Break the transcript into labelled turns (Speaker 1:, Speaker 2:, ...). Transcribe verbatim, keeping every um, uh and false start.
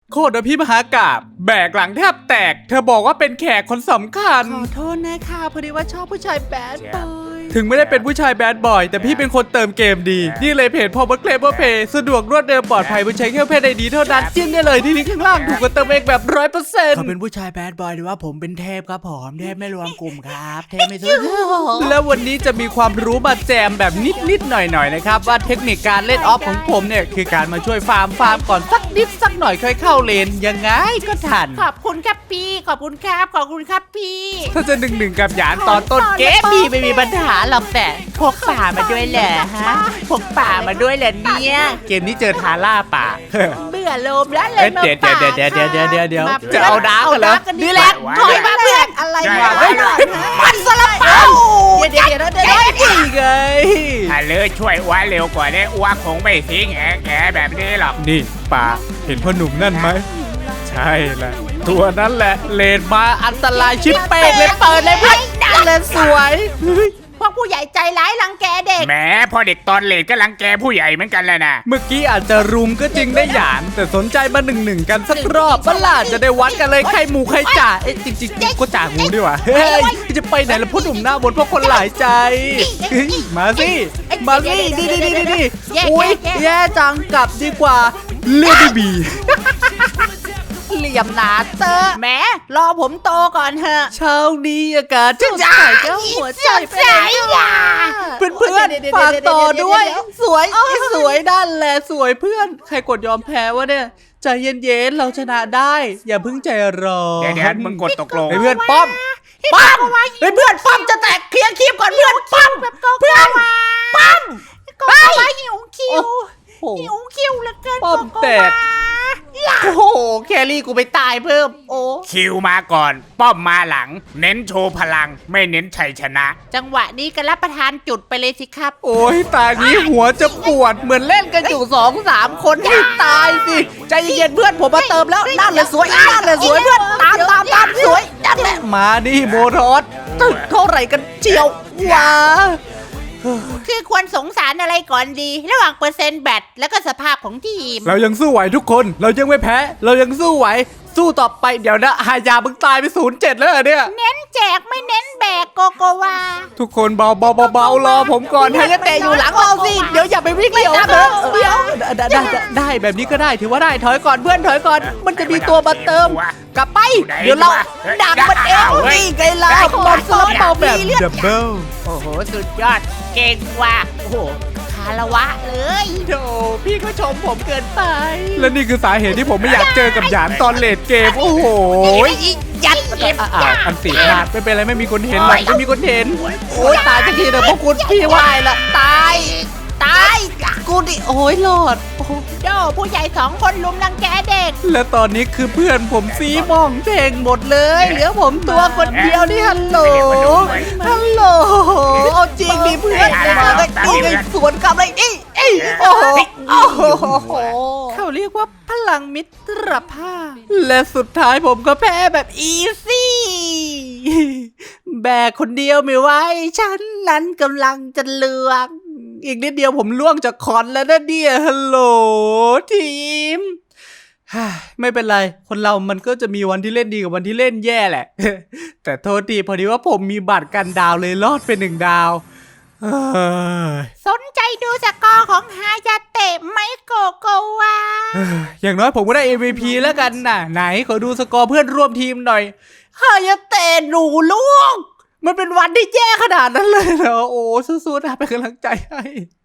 Speaker 1: โคตรพี่มหากาบแบกหลังแทบแตกเธอบอกว่าเป็นแขกคนสำคัญ
Speaker 2: ขอโทษนะคะพอดีว่าชอบผู้ชายแบดบอย
Speaker 1: ถึงไม่ได้เป็นผู้ชายแบดบอยแต่พี่เป็นคนเติมเกมดีนี่เลยเพจพอบัคเคลเวอร์เพย์สะดวกรวดเร็วปลอดภัยบนใช้แค่เพจไอดีเท่านั้นจิ้มได้เลยที่ลิงก์ข้างล่างถูกกว่าเติมเองแบบร้อยเปอร์เซ็นต์
Speaker 2: เขาเป็นผู้ชายแบดบอยหรือว่าผมเป็นเทพครับผมเทพไม่รวมกลุ่มครับเทพไม่ซื้อ
Speaker 1: แล้ววันนี้จะมีความรู้มาแจมแบบนิดๆหน่อยๆนะครับว่าเทคนิคการเล่นออฟของผมเนี่ยคือการมาช่วยฟาร์มฟาร์มก่อนสักนิดสักหน่อยค่อยเข้าเลนยังไงก็ทัน
Speaker 3: ขอบคุณครับพี่ขอบคุณครับขอบคุณครับพี่
Speaker 1: ถ้าจะหนึ่งหนึ่งกับหยานตอนต้นเกม
Speaker 3: พี่ไม่มีปัญหาหรอกแต่พกป่ามาด้วยเหรอฮะพกป่ามาด้วยเหรอเนี่ย
Speaker 1: เกมนี้เจอทาร่าป่า
Speaker 3: เบื่อโลมแล้วเล
Speaker 1: เอ้
Speaker 3: ย
Speaker 1: ย
Speaker 3: มา
Speaker 1: เดี๋ยว
Speaker 3: ป่า
Speaker 1: เดี๋ยวเดี๋ยวเดี๋ยวเดี๋ยวเดี๋ยว
Speaker 3: มา
Speaker 1: จะเอาดาร์กเหรอ
Speaker 3: กันนี่แหละถอยมาเพื่อนอะไร
Speaker 4: ใช่
Speaker 3: วะ
Speaker 4: เฮ้ย
Speaker 3: มันสลับเป้าเดี๋ยวเดี๋ยวเดี๋ยวเดี๋ยว
Speaker 1: นี่ไง
Speaker 4: ถ้าเลือช่วยอ้วเร็วกว่านี้อ้วคงไม่ทิ้งแอะแกแบบนี้หรอก
Speaker 1: นี่ป่าเห็นพ่อหนุ่มนั่นไหมใช่แหละตัวนั้นแหละเลนมาอันตรายชิบเป้งเลยเปิดเลยเพื่อนเลนสวยเฮ้ย
Speaker 3: พวกผู้ใหญ่ใจร้ายรังแกเด็ก
Speaker 4: แหมพอเด็กตอนเลดก็รังแกผู้ใหญ่เหมือนกันแหละนะ
Speaker 1: เมื่อกี้อาจจะรุมก็จริงได้หยานแต่สนใจมาหนึ่งหนึ่งกันสักรอบบ้าล่ะจะได้วัดกันเลยใครหมูใครจ่าเอ๊ะจริงๆกูก็จ่างูดีกว่าเฮ้ยจะไปไหนล่ะพ่อหนุ่มหน้าบนเพราะคนหลายใจเฮ้ยมาสิมาสิดีดีดีดีอุ้ยแย่จังกลับดีกว่าเลือดบี
Speaker 3: เหลี่ยมหนาเตอแหมรอผมโตก่อนเถอะ
Speaker 1: เช้านี้อากาศจะใส่เจ้าหัวใจไปเพื่อนเพื่อนๆฝากต่อด้วย สวยสวยด้านแหละสวยเพื่อน ใครกดยอมแพ้วะเนี่ยใจเย็นๆเราชนะได้ อย่าเพิ่งใจร้อน
Speaker 4: เดี๋ยวเดี๋ยวมึงกดตกลง
Speaker 1: ไอ้เพื่อนป้อม
Speaker 3: ป้อมเฮ้ยเพื่อนป้อมจะแตกเคลียร์คลิปก่อนเพื่อนป้อมเพื่อนป้อมก็ว่าหิวคิว
Speaker 1: โอ้โห
Speaker 3: หิวคิวเหลือเกิน
Speaker 1: ป้อมแตก โอ้โหแครี่กูไปตายเพิ่มโอ้
Speaker 4: คิวมาก่อน ป้อมมาหลัง เน้นโชว์พลังไม่เน้นชัยชนะ
Speaker 3: จังหวะนี้ก็รับประทานจุดไปเลยสิครับ
Speaker 1: โอ้ยตานี้หัวจะปวดเหมือนเล่นกันอยู่สองสามคนให้ตายสิใจเย็นๆเพื่อนผมมาเติมแล้วนั่นเลยสวยนั่นเลยสวยเพื่อนตามตามตามสวยนั่นแหละมาดิโมรอสตึกเท่าไหร่กันเจียวว้า
Speaker 3: คือควรสงสารอะไรก่อนดี ระหว่างเปอร์เซ็นต์แบตแล้วก็สภาพของทีม
Speaker 1: เรายังสู้ไหวทุกคน เรายังไม่แพ้ เรายังสู้ไหว สู้ต่อไปเดี๋ยวนะหายามึงตายไปศูนย์เจ็ดแล้วเหรอเนี่ย
Speaker 3: เน้นแจกไม่เน้นแบกโกโกวา
Speaker 1: ทุกคนเบาเบาเบาเบารอผมก่อนให้ยะเตะอยู่หลังเราสิ เดี๋ยวอย่าไปวิ่งเดี่ยวเถอะเดี๋ยวได้ได้ได้ได้แบบนี้ก็ได้ถือว่าได้ถอยก่อนเพื่อนถอยก่อน มันจะมีตัวมาเติม กลับไป เดี๋ยวเราดักมันเองนี่ไงล่ะบอลสลับเบาแบบดับเบิล
Speaker 3: โอ้โห สุดยอด เก่งว่ะโอ้โหคารวะเลย
Speaker 1: โธ่พี่ก็ชมผมเกินไป และนี่คือสาเหตุที่ผมไม่อยากเจอกับหยานตอนเลดเกม โอ้โห
Speaker 3: ยัดเก็บ
Speaker 1: อ่าอันตีพลาดไม่เป็นไรไม่มีคนเห็นหรอกไม่มีคนเห็น โอ้ยตายสักทีเถอะพวกคุณพี่วายละตาย
Speaker 3: ตาย
Speaker 1: กูดิโอ้ยรอดโอ้โห
Speaker 3: โดผู้ใหญ่สองคนลุมรังแกเด็ก
Speaker 1: และตอนนี้คือเพื่อนผมซีมองเพลงหมดเลยเหลือผมตัวคนเดียวนี่ฮัลโหลฮัลโหลเอาจริงดิเพื่อนเลยมาเลยนี่ไงสวนกลับเลยนี่เอ้ยโอ้โหโอ้โหเขาเรียกว่าพลังมิตรภาพ และสุดท้ายผมก็แพ้แบบอีซี่แบกคนเดียวไม่ไหวฉันนั้นกำลังจะเลือกอีกนิดเดียวผมล่วงจากคอนแล้วนะเดียฮัลโหลทีม ไม่เป็นไรคนเรามันก็จะมีวันที่เล่นดีกับวันที่เล่นแย่แหละ แต่โทษทีพอดีว่าผมมีบัตรกันดาวเลยรอดไปหนึ่งดาวเอ้ย
Speaker 3: สนใจดูสกอร์ของฮายาเตะไหมโกโกวา
Speaker 1: อย่างน้อยผมก็ได้ เอ็ม วี พี แล้วกันน่ะไหนขอดูสกอร์เพื่อนร่วมทีมหน่อยฮายาเตะหนูลูกมันเป็นวันที่แย่ขนาดนั้นเลยเหรอโอ้สู้ๆนะเป็นกำลังใจให้